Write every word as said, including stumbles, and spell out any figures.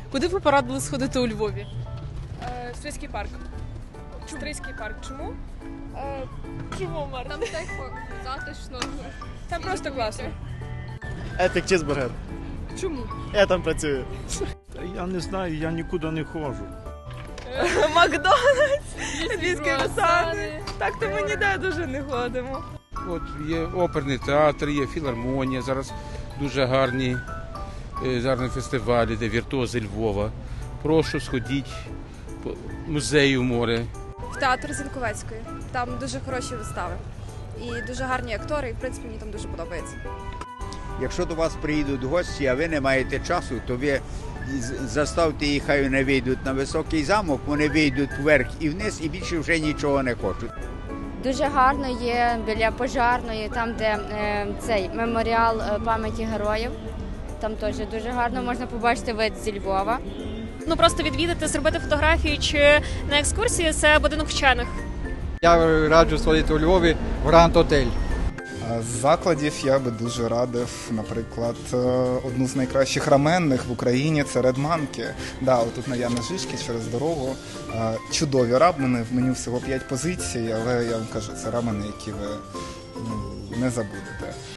Куди б ви порадили сходити у Львові? Е, Стрийський парк. Стрийський парк. Чому? Е, Чому, Марта? Там тепло, затишно. Там просто класно. Епік чизбургер. Чому? Я там працюю. Я не знаю, я нікуди не ходжу. Макдональдс, львівські ресторани. Так то ми ніде дуже не ходимо. От є оперний театр, є філармонія, зараз дуже гарні, е, гарні фестивалі, де віртуози Львова. Прошу, сходіть по музею море. В театр Зінковецької. Там дуже хороші вистави. І дуже гарні актори, і в принципі мені там дуже подобається. Якщо до вас приїдуть гості, а ви не маєте часу, то ви заставте їх, хай вони вийдуть на високий замок, вони вийдуть вверх і вниз і більше вже нічого не хочуть. Дуже гарно є біля Пожарної, там де е, цей меморіал е, пам'яті героїв. Там теж дуже гарно можна побачити вид зі Львова. Ну просто відвідати, зробити фотографії чи на екскурсії – це будинок вчених. Я раджу сходити у Львові в Гранд Отель. З закладів я би дуже радив, наприклад, одну з найкращих раменних в Україні – це Red Monkey. Да, отут на Яна Жишки через дорогу. Чудові рамени, в меню всього п'ять позицій, але я вам кажу, це рамени, які ви ну, не забудете.